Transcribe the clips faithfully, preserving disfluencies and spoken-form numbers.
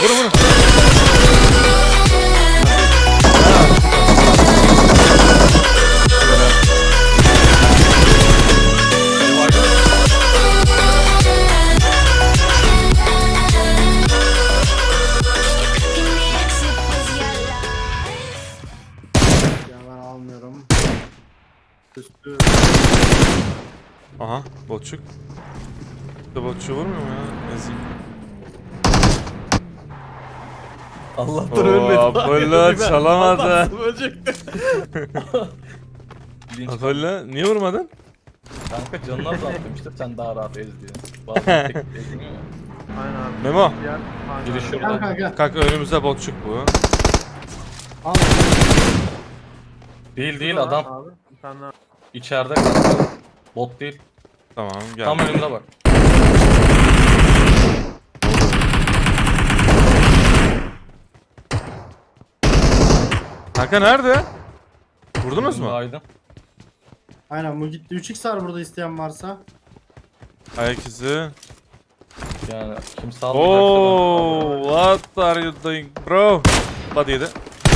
Vurun vurun. Ya ben almıyorum. Üstü. Aha botçuk. Bir de botçu vurmuyor mu ya? Ezeyim. Allah'tan Oo, ölmedi. Apollo çalamadı. Atarsın, ölecekti. Linç Apollo niye vurmadın? kanka canını azaltmıştır sen daha rahat ez diye. Bazen tek ezmiyor ya. Aynen abi. Memo. Diğer Biri aynen. şurada. Gel kanka. Kanka önümüzde botçuk bu. Al. Değil değil Şurada adam var Abi. Bir tane daha. içeride kanka. Bot değil. Tamam gel. Tam önümde bak. Kanka nerede? Vurdunuz mu? Aydın. Aynen bu gitti. üç x var burada isteyen varsa. Ayak izi. Yani kim sağlayacaksa Oh, what are you doing bro? Body yedi.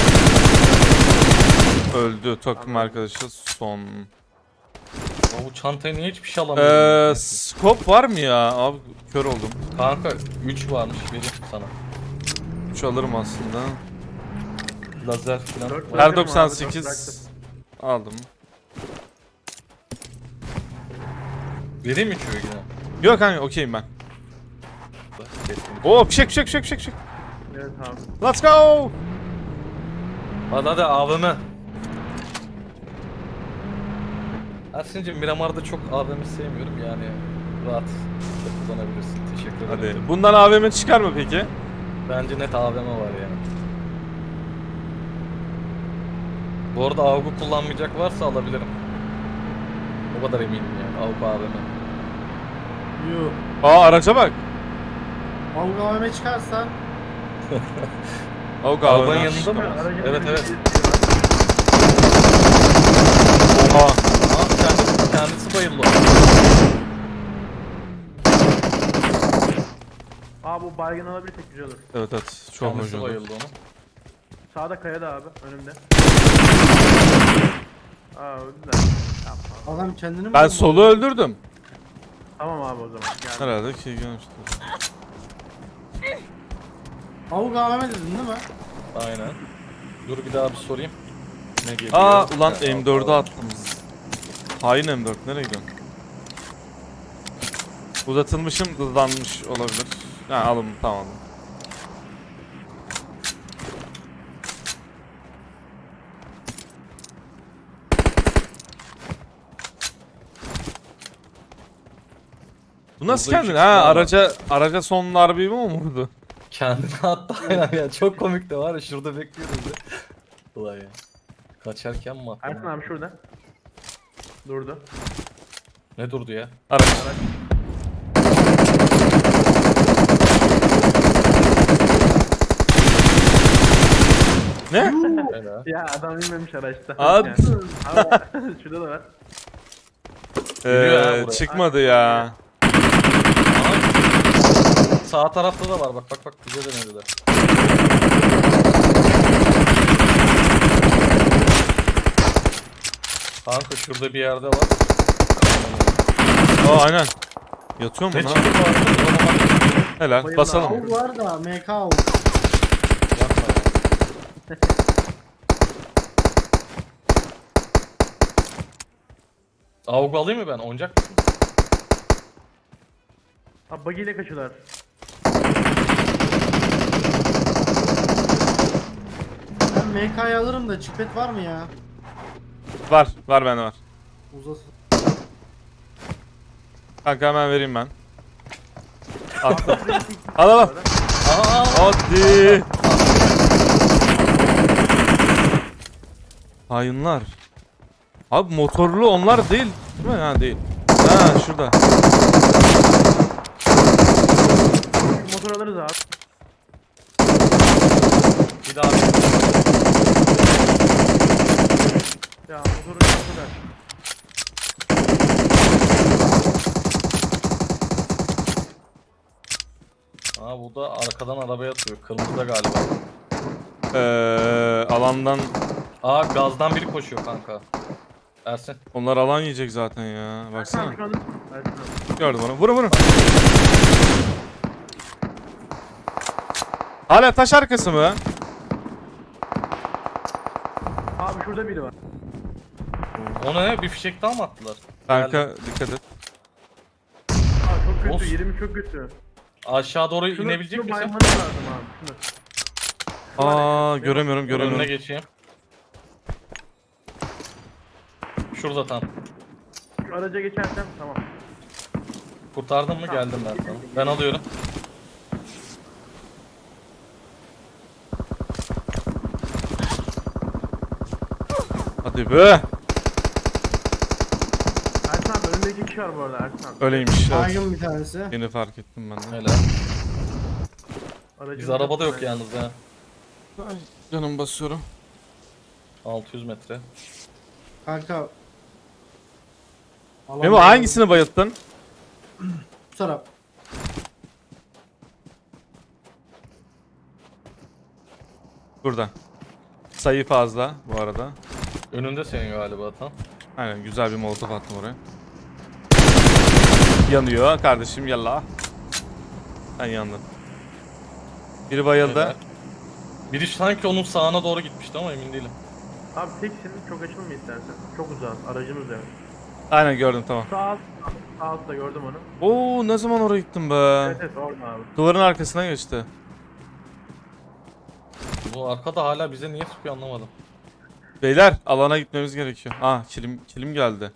Öldü takım arkadaşı son. ben. Bu çantayı niye hiçbir şey Eee alamıyorum? scope var mı ya? Abi kör oldum. Kanka üç varmış vereyim sana. üç alırım aslında. Lazer falan. Dört var. Bırakırım Her abi, doksan dört sekiz aldım. Vereyim mi üçü yine? Yok kanka okeyim ben. Kesinlikle. Oo fişek fişek fişek fişek fişek. Evet abi. Let's go. Hadi hadi A V M. Ersin'cim Miramar'da çok A V M sevmiyorum yani rahat kullanabilirsin. Teşekkür ederim. Hadi. Bundan A V M çıkar mı peki? Bence net A V M var yani. Bu arada A V G kullanmayacak varsa alabilirim. O kadar eminim yani A V G A V M. Yuh. Aa araca bak. Avga A V M çıkarsa. O Arabanın A V M. yanında mı? Aracın Evet bir- evet. Oha. Aa kendisi, kendisi bayıldı. Abi bu baygın alabilirsek güzel olur. Evet evet çok Kendisi hoş oldu. bayıldı onu. Sağda kaya da abi önümde. Aa öldü de. Yapma. Adam kendini mi Ben bulmadı? solu öldürdüm. Tamam abi o zaman. Gel. Herhalde ki görmüştüm. Avga A V M dedin değil mi? Aynen. Dur bir daha bir sorayım. Ne geliyor? Aa ulan Ha, M dört'e aa. attım. Hain M dört nereye gidiyorsun? Uzatılmışım hızlanmış olabilir. Ha alın tamam. Bu nasıl Burada kendin? iki Ha kişi var. araca araca son darbeyi mi vurdu? Kendini attı aynen ya. Çok komik de var ya şurada bekliyoruz ya. Ulan ya. Kaçarken mi attı? Ersin abi şurada. Durdu. Ne durdu ya? Araç. Ne? Helal. Ya adam inmemiş araçta. Abi. Yani. Abi, şurada da var. Geliyor ha Ee, buraya. çıkmadı ya. Sağ tarafta da var bak bak bak bize denediler. Kanka şurada bir yerde var. Aa aynen. Yatıyor mu Ne lan? çıktı bu arada? O zaman Helal. Bayılın Basalım. abi. Avga var da M K avga. yapma ya. Avgu alayım mı ben? Oyuncak mısın? Abi buggy ile kaçıyorlar. Ben M K'yı alırım da çipet var mı ya? Var. Var bende var. Uzasın. Kanka hemen vereyim ben. Attım. Al al al. Aa, Hadi. Hayınlar. Abi motorlu onlar değil. Değil mi? Ha değil. Ha şurada. Motor alırız abi. bir daha bir. Ya motoru motoru. Aa bu da arkadan arabaya atıyor. Kırmızıda galiba. Ee, alandan Aa gazdan biri koşuyor kanka. Ersin. onlar alan yiyecek zaten ya. Tamam Baksana. şu anda. Ersin abi. Gördüm onu. Vurun vurun. Hala taş arkası mı? Abi şurada biri var. O ne? Bir fişek daha mı attılar? Kanka Geldim. dikkat et. Aa çok kötü. Of. Yerimi çok kötü. Aşağı doğru Şunu, inebilecek şunu misin? baymanız lazım abi. Şunu. Şu var ya, Aa benim- göremiyorum Önüne göremiyorum. geçeyim. Şurada tam. Şu araca geçersem tamam. Kurtardın mı? Tamam. Geldim ben sana. Ben alıyorum. Hadi be. Ersin abi önünde iki kişi var bu arada Ersin abi. Öyleymiş. Evet. Baygın bir tanesi. Yeni fark ettim ben de. Helal. Aracın Biz arabada yok kapısı- yalnız ya. Ay, canım basıyorum. altı yüz metre. Kanka. Alan Memo baygın. hangisini bayılttın? Bu taraf. Burada. Sayı fazla bu arada. Önünde senin galiba tam. Aynen güzel bir molotof attım oraya. Yanıyor kardeşim yallah. Ben yandım. Biri bayıldı. Helal. Biri sanki onun sağına doğru gitmişti ama emin değilim. Abi teksin çok açılma istersen. Çok uzak aracımız yani. Aynen gördüm tamam. Sağ alt, sağ altta gördüm onu. Oo ne zaman oraya gittim be? Evet evet orada abi. Duvarın arkasına geçti. Bu arkada hala bize niye sıkıyor anlamadım. Beyler alana gitmemiz gerekiyor. Ah kilim kilim geldi.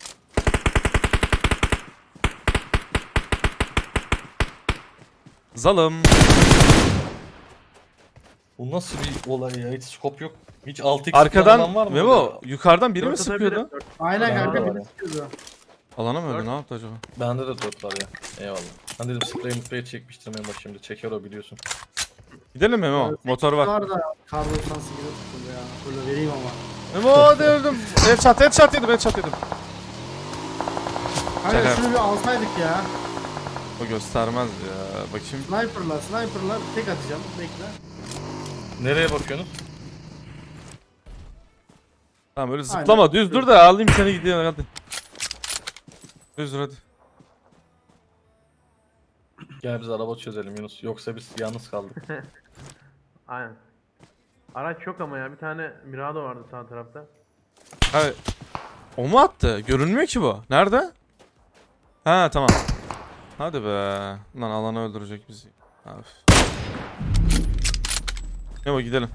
Zalım. Bu nasıl bir olay ya? Hiç scope yok. Hiç altı x Arkadan var mı? Memo burada? yukarıdan biri mi Dört atabilirim, sıkıyordu? dört. Aynen Bende kanka de var biri ya. sıkıyordu. Alana mı öldü Dört. ne yaptı acaba? Bende de dört var ya. Eyvallah. Ben dedim sprey mutlaya çekmiştir Memo şimdi. Çeker o biliyorsun. Gidelim mi Memo? Evet, Motor var. Var da kar doksan sekize tutuldu ya. Böyle vereyim ama. Memo hadi öldüm. Headshot headshot yedim headshot yedim. Kanka Şaka. şunu bir alsaydık ya. O göstermez ya. Bakayım. Sniper'la sniper'la tek atacağım. Bekle. Nereye bakıyorsunuz? Tamam öyle Aynen. zıplama düz dur da alayım seni gidiyor hadi. Düz dur hadi. Gel biz araba çözelim Yunus. Yoksa biz yalnız kaldık. Aynen. Araç yok ama ya bir tane Mirado vardı sağ tarafta. Abi, o mu attı? Görünmüyor ki bu. Nerede? Ha tamam. Hadi be. Lan alanı öldürecek bizi. Abi. Memo gidelim.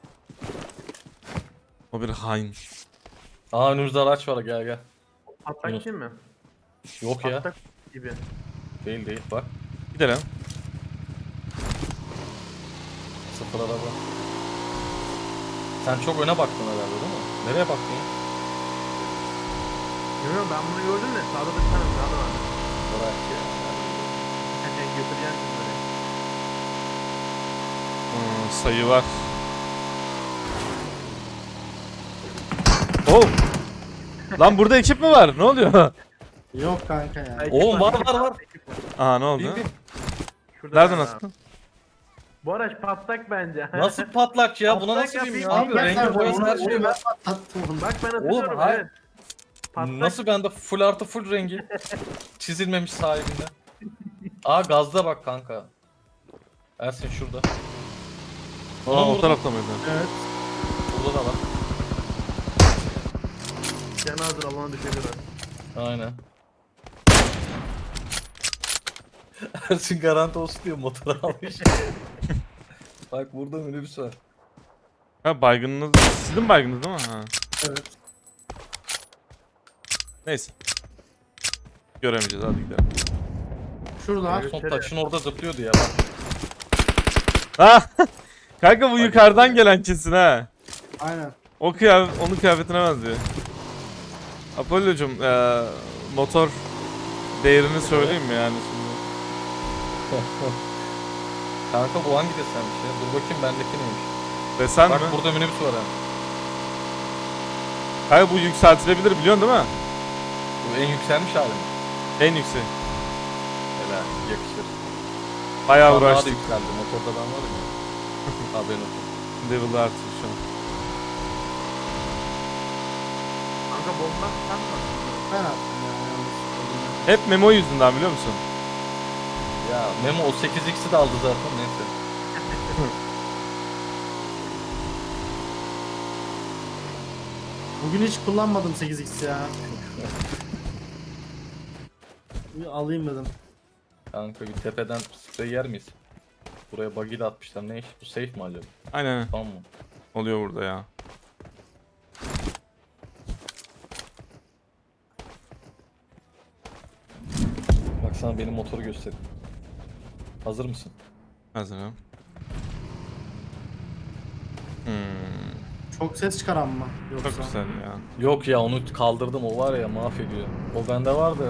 O bir hain. Aa önümüzde araç var gel gel. Patlak Yunus. değil mi? Yok ya. Patlak gibi. Değil değil bak. Gidelim. Sıfır araba. Sen çok öne baktın herhalde değil mi? Nereye baktın ya? Bilmiyorum ben bunu gördüm de sağda da bir tane Mirado vardı. Bırak ya. Yani götüreceğim şimdi böyle. Hmm, sayı var. Oh. Lan burada ekip mi var? Ne oluyor? Yok kanka ya. Ekip Oğlum var ekip var var. ekip var. Aha ne oldu? Bin, bin. Şurada Nereden var attın? abi. Bu araç patlak bence. Nasıl patlak ya? Buna Patlak nasıl diyeyim ya? yapayım. Abi Abi, rengi boyası her şey ben var. patlattım onu. Bak ben hatırlıyorum hayır. evet. Patlak. Nasıl bende full artı full rengi? Çizilmemiş sahibinde. Aa gazda bak kanka. Ersin şurada. Aa Ona o vurdum. tarafta mıydı? Evet. Burada da var. Canı hazır alana düşebilir abi. Aynen. Ersin garanti olsun diye motor almış. Bak burada minibüs var. Ha baygınınız. Sizin baygınınız değil mi? Ha. Evet. Neyse. Göremeyeceğiz hadi gidelim. Şurada. Son taşın orada zıplıyordu ya bak. Ha! Kanka bu yukarıdan gelen kesin ha. Aynen. O kıyafet, onun kıyafetine benziyor. Apollo'cum eee motor değerini söyleyeyim mi yani şimdi? Kanka bu hangi desenmiş ya? Dur bakayım bendeki neymiş? Desen Bak mi? burada minibüs var ha. Kanka bu yükseltilebilir biliyorsun değil mi? Bu en yükselmiş hali mi? En yüksek. Helal yakışır. Bayağı Daha da uğraştık. yükseldi. Motorda ben varım ya. Haberin olsun. Level'ı artıyor şu an. Kanka bomba sen mi attın? Ben attım ya. yanlış. Hep Memo yüzünden biliyor musun? Ya Memo o sekiz x'i de aldı zaten neyse. Bugün hiç kullanmadım sekiz x ya. Bir alayım dedim. Kanka bir tepeden sprey yer miyiz? Buraya buggy de atmışlar. Ne iş? Bu safe mi acaba? Aynen Tamam mı? oluyor burada ya. Bak sana benim motoru göstereyim. Hazır mısın? Hazırım. Hmm, Çok ses çıkaran mı? Yoksa? çok güzel ya. Yok ya onu kaldırdım, o var ya mahvediyor. O bende vardı.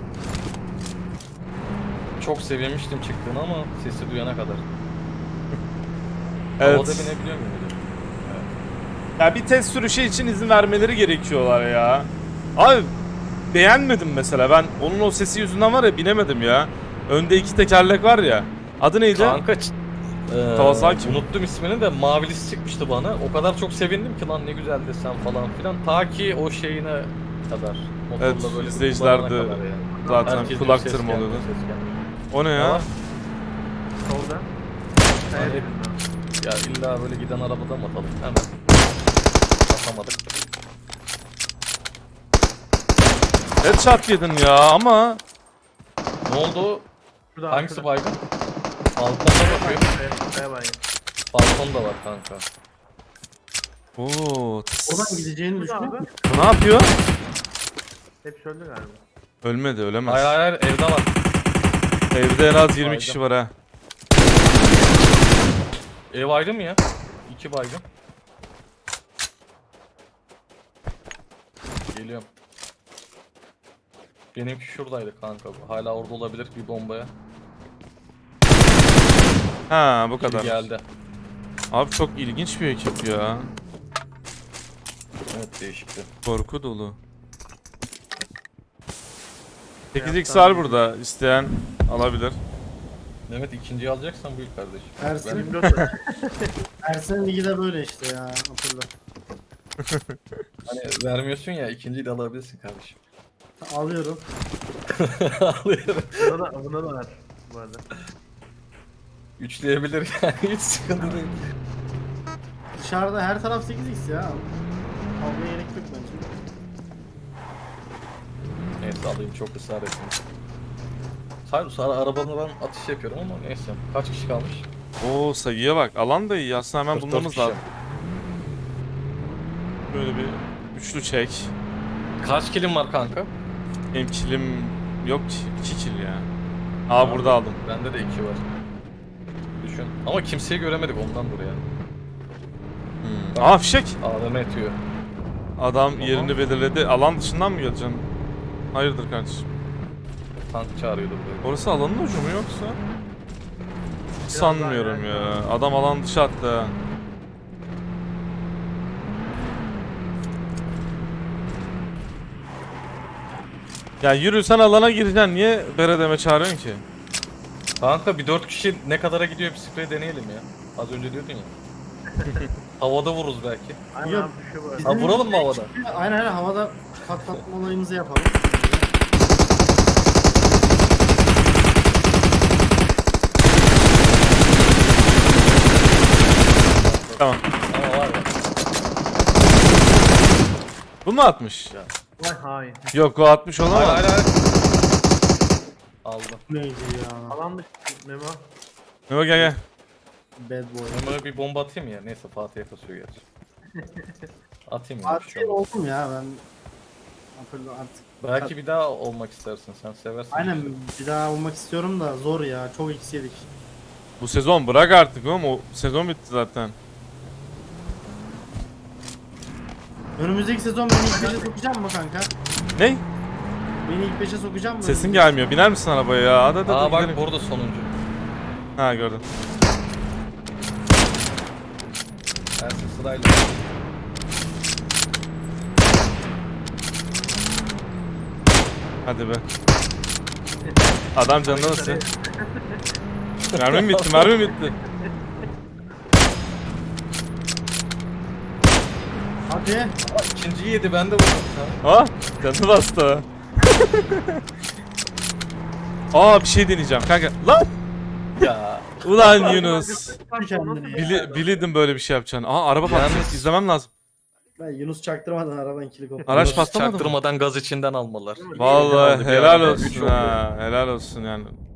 Çok sevinmiştim çıktığını ama sesi duyana kadar. Havada Evet. binebiliyor muyum hocam? Ya bir test sürüşü için izin vermeleri gerekiyorlar ya. Abi beğenmedim mesela. Ben onun o sesi yüzünden var ya binemedim ya. Önde iki tekerlek var ya. Adı neydi? Kanka ç- eee, Kawasaki mi? unuttum ismini de mavilisi çıkmıştı bana. O kadar çok sevindim ki lan ne güzel desen falan filan. Ta ki o şeyine kadar. Motorla Evet, böyle izleyiciler kullanana de kadar yani. zaten Herkes kulak diyor, ses tırmalıyordu. gelmiyor, ses gelmiyor. O ne Ne ya? var? Solda. Kaya Hani- dibinde. Ya illa böyle giden arabadan mı atalım? Hemen. Atamadık. Headshot yedin ya ama Ne oldu? Şurada Hangisi arkada. baygın? Balkonda bakıyor. Kaya, kaya baygın. Balkon da var kanka. Oo, Oradan gideceğini Şurada düşünüyor abi. musun? bu ne yapıyor? Hep öldü galiba. Ölmedi, ölemez. Hayır hayır hayır, evde var. Evde en az yirmi Baygın. kişi var ha. Ev ayrı mı ya? İki baygın. Geliyorum. Benimki şuradaydı kanka. Hala orada olabilir bir bombaya. Ha bu Biri kadar. geldi. Abi çok ilginç bir ekip ya. Evet değişikti. Korku dolu. sekiz x var burada. İsteyen alabilir. Mehmet ikinciyi alacaksan buyur kardeşim. Ersin, yirmi dört var. Ersin ligi de böyle işte ya. Hatırla. Hani vermiyorsun ya, ikinciyi de alabilirsin kardeşim. Alıyorum. Alıyorum. Buna da, buna da var bu arada. Üçleyebilir yani, hiç sıkıntı değil. Dışarıda her taraf sekiz x ya. Almaya gerek yok bence. Neyse alayım, çok ısrar ettim. Sadece sonra arabadan atış yapıyorum ama neyse. Kaç kişi kalmış? Oo sayıya bak. Alan da iyi. Aslında hemen kırk dört bulmamız kişi. lazım. Böyle bir üçlü çek. Kaç kilim var kanka? Benim kilim yok ki. iki kill ya. Aa burada aldım. Bende de iki var. Düşün. Ama kimseyi göremedik ondan buraya. Hmm. Aa fişek. A V M etiyor. Adam Aha. yerini belirledi. Alan dışından mı geleceksin? Hayırdır kardeşim? Tank çağırıyordu buraya. Orası alanın ucu mu yoksa? Biraz Sanmıyorum daha ya. yani. Adam alan dışı attı ha. Ya yürü sen alana gireceksin. Niye beredeme çağırıyorsun ki? Kanka bir dört kişi ne kadara gidiyor bir sprey deneyelim ya. Az önce diyordun ya. Havada vururuz belki. Aynen Yok. abi düşüyor bu arada. Bizim- Ha vuralım mı havada? Aynen aynen havada patlatma olayımızı yapalım. Tamam. Ama var ya. Bu mu atmış? Vay hain. Yok o atmış Hayır olamaz. hayır hayır. Aldım. Neydi ya? Alan dışı Memo. Memo gel gel. Bad boy. Memo'ya bir bomba atayım ya. Neyse Fatih'e kasıyor gerçi. Atayım ya. bir şey Artık olmaz. oldum ya ben. Hatırla artık. Belki bir daha olmak istersin. Sen seversin. Aynen bir daha olmak istiyorum da zor ya. Çok x yedik. Bu sezon bırak artık oğlum. O sezon bitti zaten. Önümüzdeki sezon beni ilk beşe sokacak mı kanka? Ne? Beni ilk beşe sokacak mı? Sesin gelmiyor. Biner misin arabaya ya? Hadi hadi. Aa hadi bak gidelim. burada sonuncu. Ha gördüm. Ersin sırayla. Hadi be. Adam canına nasıl? Mermim bitti, mermim bitti. Hadi. İkinciyi yedi ben de vurdum. Ha. Ha? Canı bastı. Aa bir şey deneyeceğim kanka. Lan! Ya. Ulan Yunus. Kendini. Bili, bilirdim böyle bir şey yapacağını. Aa araba Yalnız- patlayacak. İzlemem lazım. Ben Yunus çaktırmadan aradan kilit koptu. Araç Yunus patlamadı mı? Çaktırmadan gaz içinden almaları. Vallahi Bir helal araba, olsun üç ha. Helal olsun yani.